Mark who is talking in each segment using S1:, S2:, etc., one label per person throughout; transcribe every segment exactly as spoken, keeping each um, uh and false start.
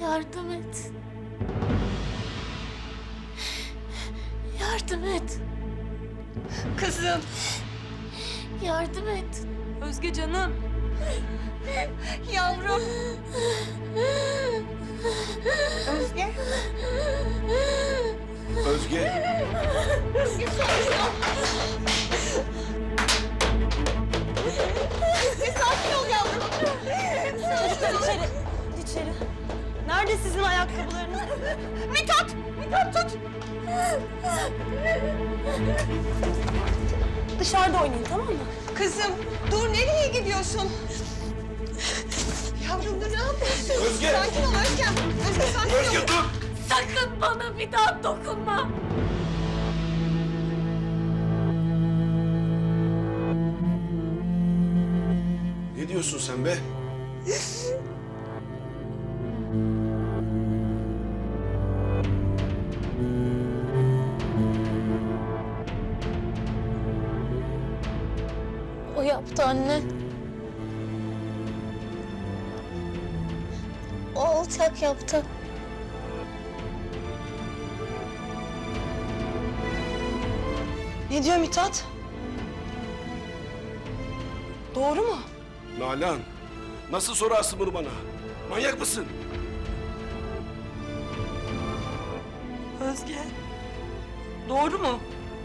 S1: Yardım et. Yardım et.
S2: Kızım.
S1: Yardım et.
S2: Özge canım. Yavrum. Özge.
S3: Özge.
S2: Özge sakin ol yavrum.
S4: Çocuklar içeri, içeri. Nerede sizin ayakkabılarınız?
S2: Mithat! Mithat tut!
S4: Dışarıda oynayın, tamam mı?
S2: Kızım dur, nereye gidiyorsun? Yavrum dur, ne yapıyorsun?
S3: Özge!
S2: Sakin ol Özgem. Özge sakin ol.
S3: Özge dur!
S1: Sakın bana bir daha dokunma.
S3: Ne diyorsun sen be?
S1: O yaptı anne. O alçak yaptı.
S4: Ne diyor Mithat? Doğru mu?
S3: Nalan, nasıl sorarsın bunu bana? Manyak mısın?
S4: Özge. Doğru mu?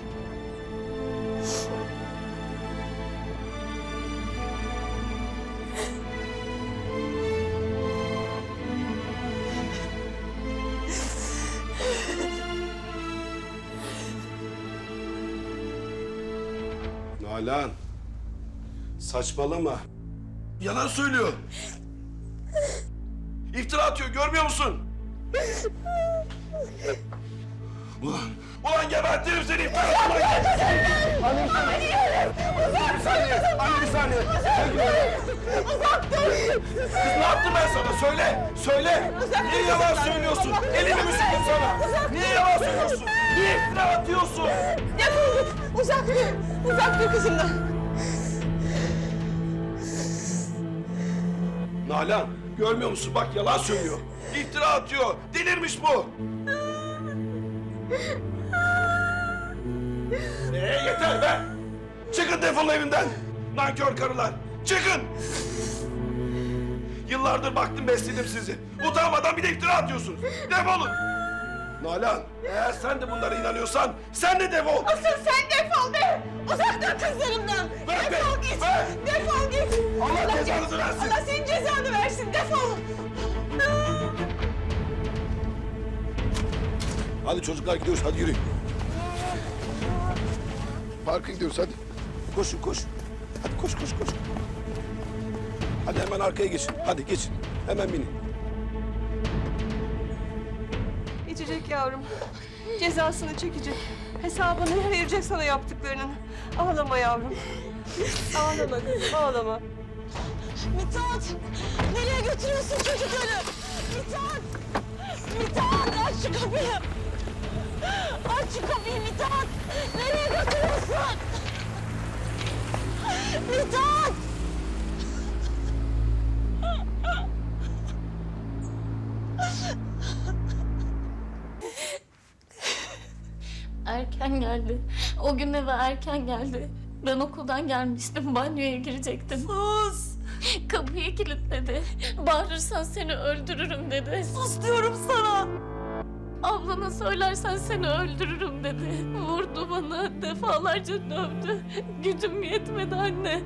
S3: Nalan, saçmalama. Yalan söylüyor. İftira atıyor, görmüyor musun? Ulan, ulan gebertirim seni iftira atma! Anne bir saniye! Bir saniye! Anne bir saniye! Uzak dur! Kız ne yaptım ben sana? Söyle! Söyle! Niye yalan söylüyorsun? Elimi mi sıktım sana? Niye yalan söylüyorsun? Niye iftira atıyorsun?
S2: Defol git. Uzak dur. Uzak dur kızımdan.
S3: Nalan, görmüyor musun? Bak yalan söylüyor. İftira atıyor. Delirmiş bu. Ee, yeter be! Çıkın defolun evimden! Nankör karılar! Çıkın! Yıllardır baktım besledim sizi. Utanmadan bir de iftira atıyorsunuz. Defolun! Nalan, eğer sen de bunlara inanıyorsan sen de defol!
S2: Asıl sen defol be. Uzak dur kızlarımdan.
S3: Ver be,
S2: Defol git.
S3: ver.
S2: Defol git.
S3: Allah cezanızı versin.
S2: Allah senin cezanı versin. Defol.
S3: Hadi çocuklar gidiyoruz, hadi yürüyün. Parka gidiyoruz, hadi. Koşun, koş. Hadi koş, koş, koş. Hadi hemen arkaya geçin, hadi geçin. Hemen binin.
S2: İçecek yavrum. Cezasını çekecek. Hesabını verecek sana yaptıklarının. Ağlama yavrum. Ağlama kızım, ağlama.
S4: Mithat! Nereye götürüyorsun çocukları? Mithat! Mithat! Aç şu kapıyı! Aç şu kapıyı Mithat! Nereye götürüyorsun? Mithat!
S1: Erken geldi. O gün eve erken geldi. Ben okuldan gelmiştim. Banyoya girecektim.
S4: Sus!
S1: Kapıyı kilitledi. Bağırırsan seni öldürürüm dedi.
S4: Sus diyorum sana!
S1: Ablana söylersen seni öldürürüm dedi. Vurdu bana. Defalarca dövdü. Gücüm yetmedi anne.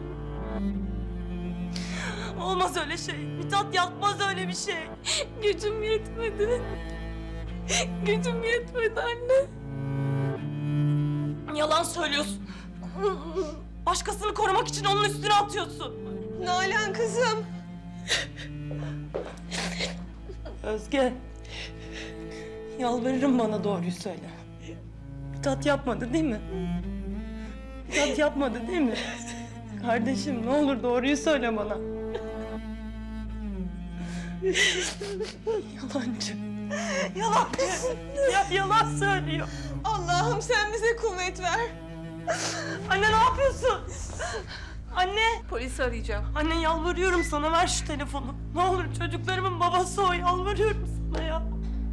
S4: Olmaz öyle şey. Mithat yapmaz öyle bir şey.
S1: Gücüm yetmedi. Gücüm yetmedi anne.
S4: Yalan söylüyorsun. Başkasını korumak için onun üstüne atıyorsun.
S2: Nalan kızım.
S4: Özge. Yalvarırım bana doğruyu söyle. Mithat yapmadı değil mi? Mithat yapmadı değil mi? Kardeşim ne olur doğruyu söyle bana. Yalancı. Yalancı. Ya, yalan söylüyor.
S2: Allah'ım sen bize kuvvet ver.
S4: Anne ne yapıyorsun? Anne.
S2: Polisi arayacağım.
S4: Anne yalvarıyorum sana ver şu telefonu. Ne olur çocuklarımın babası o yalvarıyorum sana. yapma ya.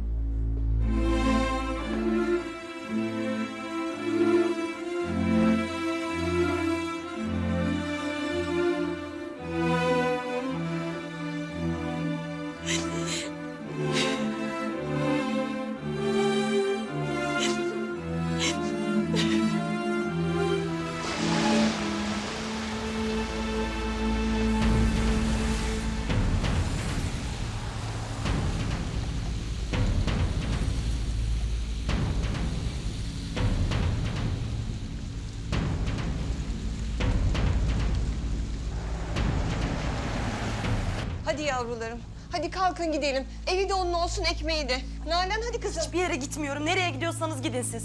S2: Hadi yavrularım. Hadi kalkın gidelim. Evi de onun olsun, ekmeği de. Nalan hadi kızım.
S4: Hiçbir yere gitmiyorum. Nereye gidiyorsanız gidin siz.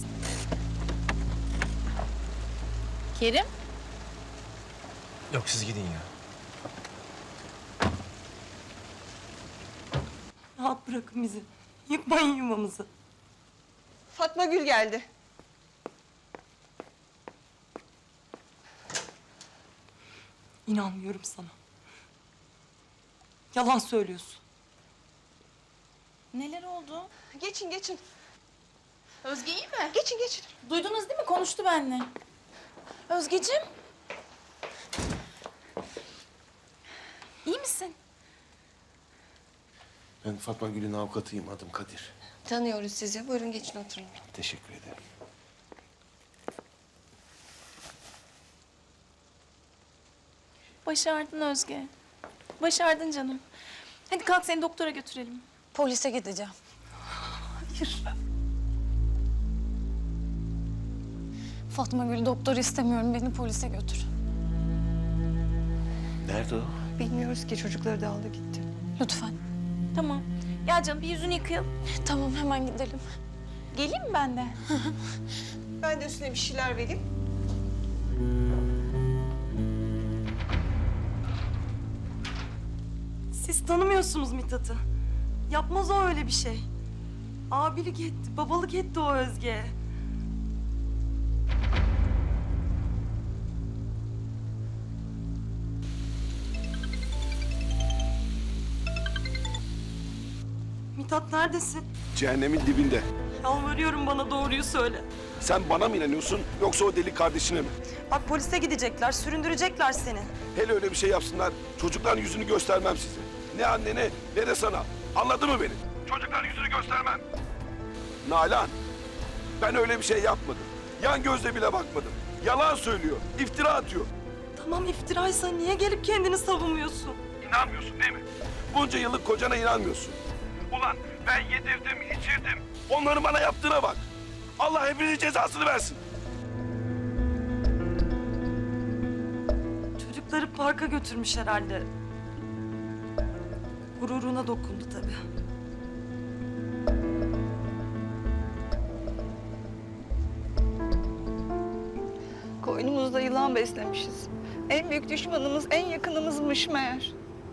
S1: Kerim?
S3: Yok siz gidin ya.
S4: Rahat bırakın bizi. Yıkmayın yuvamızı.
S2: Fatma Gül geldi.
S4: İnanmıyorum sana. Yalan söylüyorsun.
S5: Neler oldu?
S2: Geçin geçin.
S5: Özge iyi mi?
S2: Geçin geçin.
S5: Duydunuz değil mi? Konuştu benimle. Özgeciğim. İyi misin?
S3: Ben Fatma Gül'ün avukatıyım. Adım Kadir.
S2: Tanıyoruz sizi. Buyurun geçin oturun.
S3: Teşekkür ederim.
S5: Başardın Özge. Başardın canım. Hadi kalk seni doktora götürelim. Polise gideceğim.
S4: Hayır.
S6: Fatma Gül doktor istemiyorum. Beni polise götür.
S3: Nerede o?
S2: Bilmiyoruz ki, çocukları da aldı gitti.
S6: Lütfen.
S5: Tamam. Gel canım bir yüzünü yıkayalım.
S6: Tamam hemen gidelim.
S5: Geleyim mi ben de?
S2: Ben de üstüne bir şeyler vereyim.
S4: Siz tanımıyorsunuz Mithat'ı. Yapmaz o öyle bir şey. Abilik etti, babalık etti o Özge'ye. Mithat neredesin?
S3: Cehennemin dibinde.
S4: Yalvarıyorum bana doğruyu söyle.
S3: Sen bana mı inanıyorsun yoksa o deli kardeşine mi?
S4: Bak polise gidecekler, süründürecekler seni.
S3: Hele öyle bir şey yapsınlar, çocukların yüzünü göstermem size. Ne annene ne de sana. Anladın mı beni? Çocukların yüzünü göstermem. Nalan, ben öyle bir şey yapmadım. Yan gözle bile bakmadım. Yalan söylüyor, iftira atıyor.
S4: Tamam iftiraysa niye gelip kendini savunmuyorsun?
S3: İnanmıyorsun değil mi? Bunca yıllık kocana inanmıyorsun. Ulan ben yedirdim, içirdim. Onların bana yaptığına bak. Allah hepinizin cezasını versin.
S4: Çocukları parka götürmüş herhalde. Gururuna dokundu tabii.
S2: Koynumuzda yılan beslemişiz. En büyük düşmanımız, en yakınımızmış meğer.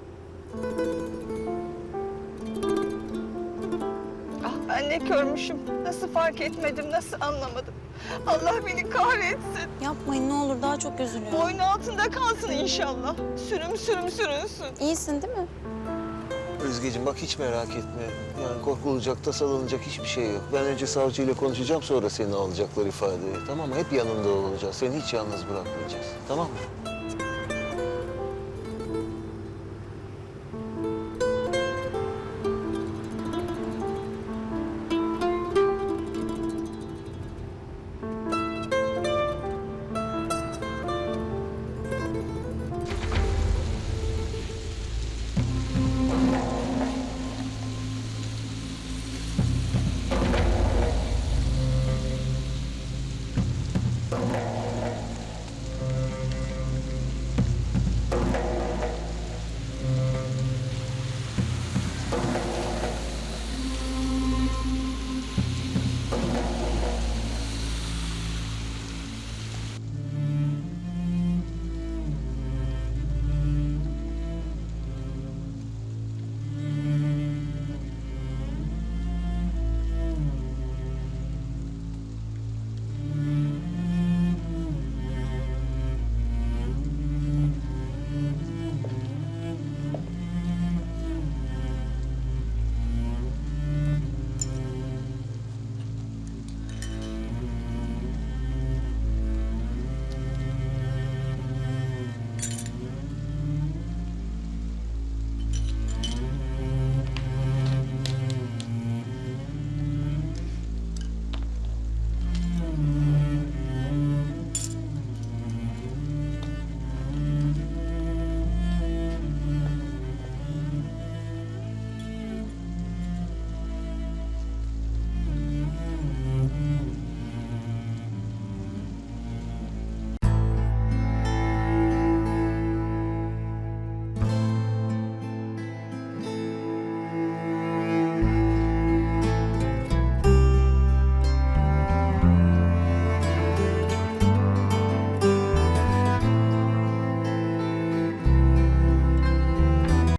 S2: Ah ben ne körmüşüm. Nasıl fark etmedim, nasıl anlamadım. Allah beni kahretsin.
S6: Yapmayın ne olur daha çok üzülüyorum.
S2: Boynu altında kalsın inşallah. Sürüm sürüm sürünsün.
S6: İyisin değil mi?
S7: Özgeciğim bak hiç merak etme. Yani korkulacak, tasalanacak hiçbir şey yok. Ben önce savcıyla konuşacağım, sonra seni alacaklar ifadeye. Tamam mı? Hep yanında olacağız. Seni hiç yalnız bırakmayacağız. Tamam mı?